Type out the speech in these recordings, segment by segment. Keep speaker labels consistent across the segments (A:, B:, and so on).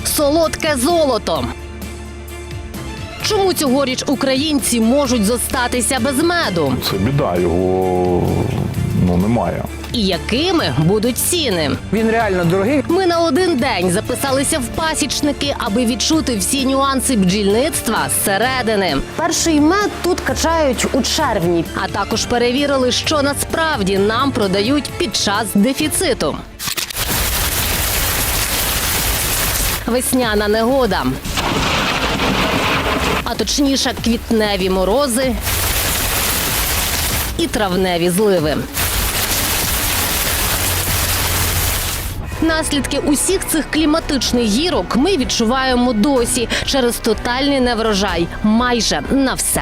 A: Солодке золото. Чому цьогоріч українці можуть зостатися без меду?
B: Це біда, його немає.
A: І якими будуть ціни?
C: Він реально дорогий.
A: Ми на один день записалися в пасічники, аби відчути всі нюанси бджільництва зсередини. Перший мед тут качають у червні, а також перевірили, що насправді нам продають під час дефіциту. Весняна негода. А точніше, квітневі морози і травневі зливи. Наслідки усіх цих кліматичних гірок ми відчуваємо досі через тотальний неврожай майже на все.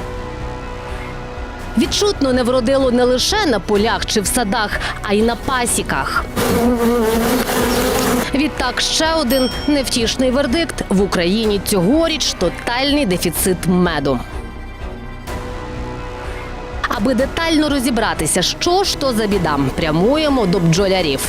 A: Відчутно не вродило не лише на полях чи в садах, а й на пасіках. Відтак ще один невтішний вердикт – в Україні цьогоріч тотальний дефіцит меду. Аби детально розібратися, що ж то за біда, прямуємо до бджолярів.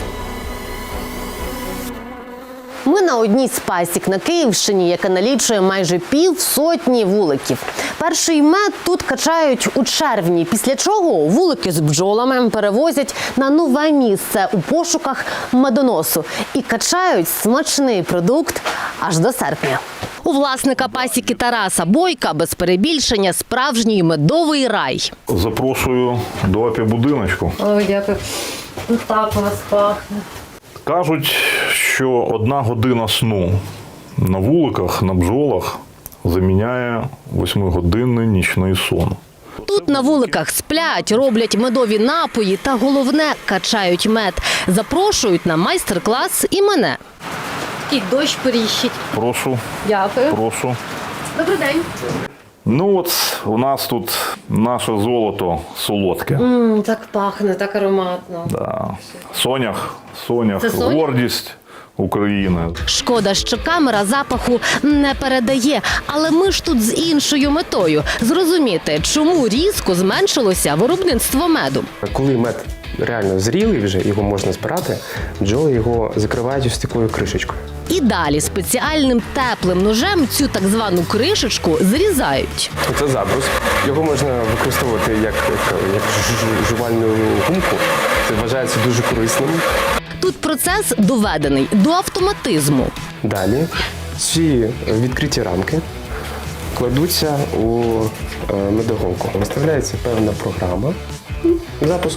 A: Ми на одній з пасік на Київщині, яка налічує майже півсотні вуликів. Перший мед тут качають у червні, після чого вулики з бджолами перевозять на нове місце у пошуках медоносу і качають смачний продукт аж до серпня. У власника пасіки Тараса Бойка, без перебільшення, справжній медовий рай.
B: Запрошую до апі-будиночку.
A: Ой, дякую. Так у вас пахне.
B: Кажуть, що 1 година сну на вуликах, на бджолах заміняє 8-годинний нічний сон.
A: Тут на вуликах сплять, роблять медові напої та, головне, качають мед. Запрошують на майстер-клас і мене. І дощ періщить.
B: Прошу.
A: Дякую.
B: Прошу.
A: Добрий день.
B: Ну от у нас тут наше золото солодке.
A: Так пахне, так ароматно.
B: Да. Сонях,
A: Це сонях?
B: гордість України.
A: Шкода, що камера запаху не передає. Але ми ж тут з іншою метою – зрозуміти, чому різко зменшилося виробництво меду.
D: Коли мед реально зрілий вже, його можна збирати, бджоли його закривають ось такою кришечкою.
A: І далі спеціальним теплим ножем цю так звану кришечку зрізають.
D: Це забрус. Його можна використовувати як жувальну гумку. Це вважається дуже корисним.
A: Тут процес доведений до автоматизму.
D: Далі ці відкриті рамки кладуться у медоголку. Виставляється певна програма. Запуск.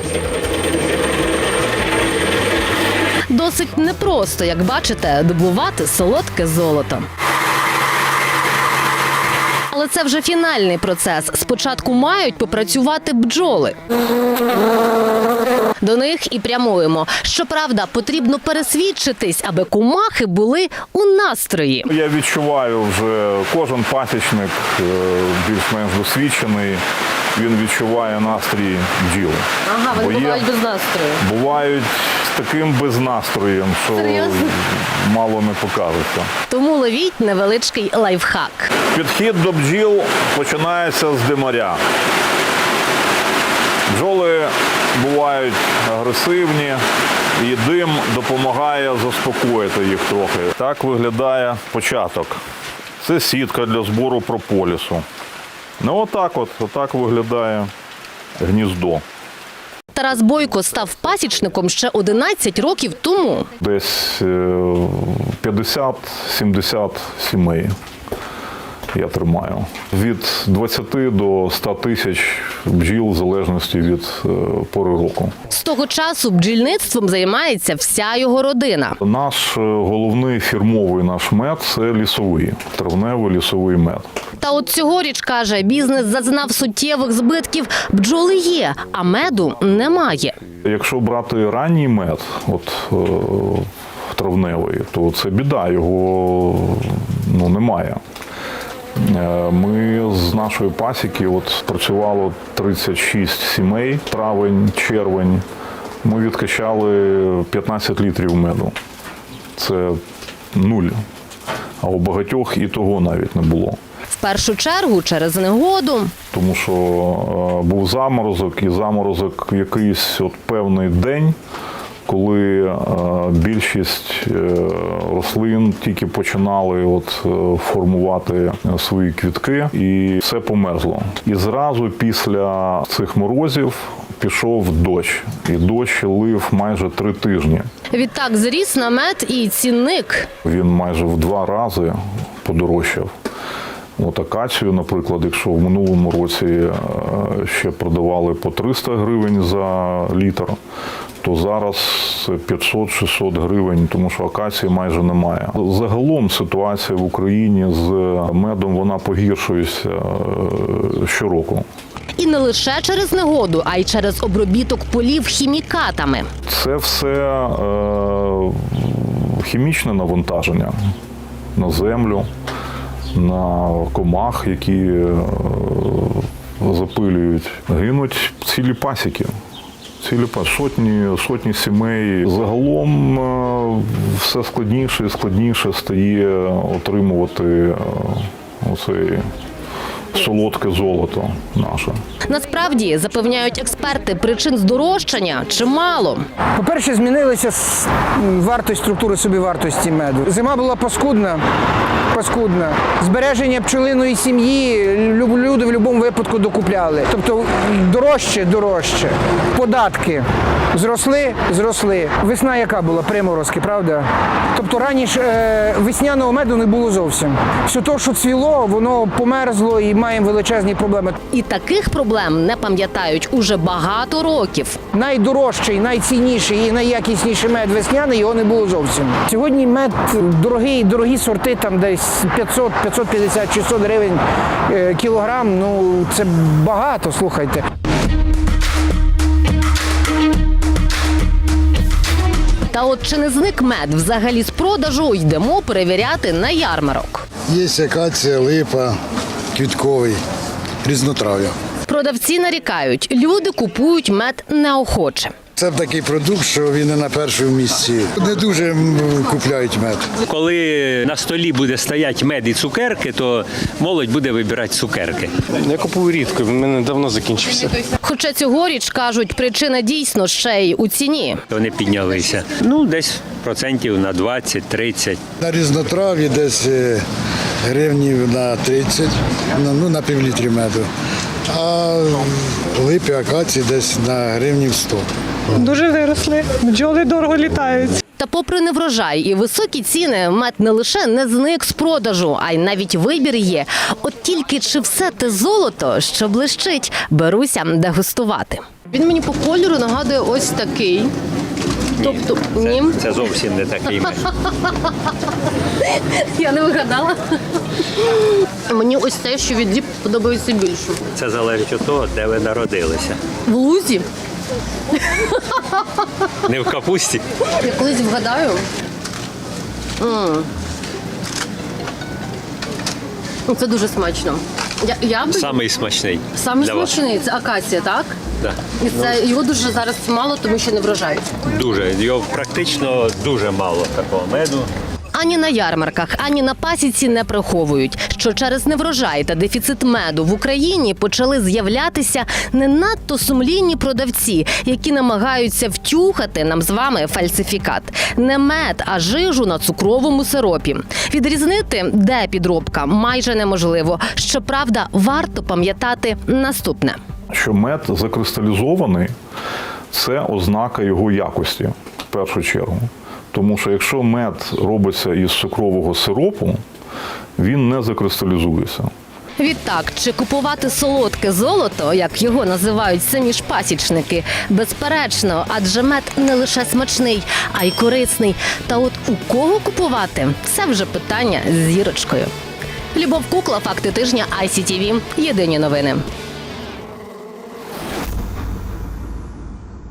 A: Досить непросто, як бачите, добувати солодке золото. Але це вже фінальний процес. Спочатку мають попрацювати бджоли. До них і прямуємо. Щоправда, потрібно пересвідчитись, аби кумахи були у настрої.
B: Я відчуваю вже, кожен пасічник більш-менш досвідчений, він відчуває настрій бджіл.
A: Ага,
B: Бо
A: вони
B: є-
A: бувають без настрою.
B: Бувають з таким безнастроєм, що
A: Серйозно?
B: мало не покажеться.
A: Тому ловіть невеличкий лайфхак.
B: Підхід до бджіл починається з димаря. Бджоли бувають агресивні, і дим допомагає заспокоїти їх трохи. Так виглядає початок. Це сітка для збору прополісу. Ну отак виглядає гніздо.
A: Тарас Бойко став пасічником ще 11 років тому.
B: Десь 50-70 сімей я тримаю. Від 20 до 100 тисяч бджіл в залежності від пори року.
A: З того часу бджільництвом займається вся його родина.
B: Наш головний фірмовий наш мед – це лісовий, травневий лісовий мед.
A: Та от цьогоріч, каже, бізнес зазнав суттєвих збитків. Бджоли є, а меду немає.
B: Якщо брати ранній мед, травневий, то це біда, його немає. Ми з нашої пасіки працювало 36 сімей, травень, червень. Ми відкачали 15 літрів меду. Це 0. А у багатьох і того навіть не було.
A: В першу чергу через негоду.
B: Тому що був заморозок, і заморозок якийсь певний день коли більшість рослин тільки починали формувати свої квітки, і все померзло. І зразу після цих морозів пішов дощ, і дощ лив майже 3 тижні.
A: Відтак зріс намет і цінник.
B: Він майже в 2 рази подорожчав. Акацію, наприклад, якщо в минулому році ще продавали по 300 гривень за літр, то зараз 500-600 гривень, тому що акації майже немає. Загалом ситуація в Україні з медом, вона погіршується щороку.
A: І не лише через негоду, а й через обробіток полів хімікатами.
B: Це все хімічне навантаження на землю, на комах, які запилюють. Гинуть цілі пасіки. Сотні сімей. Загалом все складніше і складніше стає отримувати оцей солодке золото наше.
A: Насправді, запевняють експерти, причин здорожчання чимало.
C: По-перше, змінилася вартість, структури собівартості меду. Зима була паскудна. Збереження пчелиної сім'ї люди в будь-якому випадку докупляли. Тобто дорожче. Податки зросли. Весна яка була? Приморозки, правда? Тобто раніше весняного меду не було зовсім. Все те, що цвіло, воно померзло і маємо величезні проблеми.
A: І таких проблем не пам'ятають уже багато років.
C: Найдорожчий, найцінніший і найякісніший мед весняний, його не було зовсім. Сьогодні мед дорогі сорти, там десь 500, 550, 600 гривень кілограм, це багато, слухайте.
A: Та от чи не зник мед взагалі з продажу, йдемо перевіряти на ярмарок.
E: Є акація, липа, квітковий, різнотрав'я.
A: Продавці нарікають, люди купують мед неохоче.
E: Це такий продукт, що він не на першому місці. Не дуже купляють мед.
F: Коли на столі буде стояти мед і цукерки, то молодь буде вибирати цукерки.
D: Я купую рідко, в мене давно закінчився.
A: Хоча цьогоріч, кажуть, причина дійсно ще й у ціні.
F: Вони піднялися. Десь процентів на 20-30.
E: На різнотрав'ї десь гривнів на 30, на півлітрі меду. А липи, акації десь на гривнів 100.
G: Дуже виросли, бджоли дорого літають.
A: Та попри неврожай і високі ціни, мед не лише не зник з продажу, а й навіть вибір є. От тільки чи все те золото, що блищить, беруся дегустувати. Він мені по кольору нагадує ось такий. Тобто, ні.
F: Це зовсім не такий мед.
A: Я не вигадала. Мені ось те, що від Діб подобається більше.
F: Це залежить від того, де ви народилися.
A: В лузі.
F: Не в капусті.
A: Я колись вгадаю. Це дуже смачно.
F: Самий смачний.
A: Самий
F: для вас.
A: смачний – це акація, так?
F: Да.
A: І це його дуже зараз мало, тому що не врожай.
F: Дуже. Його практично дуже мало такого меду.
A: Ані на ярмарках, ані на пасіці не приховують, що через неврожай та дефіцит меду в Україні почали з'являтися не надто сумлінні продавці, які намагаються втюхати нам з вами фальсифікат. Не мед, а жижу на цукровому сиропі. Відрізнити, де підробка, майже неможливо. Щоправда, варто пам'ятати наступне.
B: Що мед закристалізований – це ознака його якості, в першу чергу. Тому що якщо мед робиться із цукрового сиропу, він не закристалізується.
A: Відтак, чи купувати солодке золото, як його називають самі ж пасічники, безперечно, адже мед не лише смачний, а й корисний. Та от у кого купувати – це вже питання з зірочкою. Любов Кукла, факти тижня, ICTV. Єдині новини.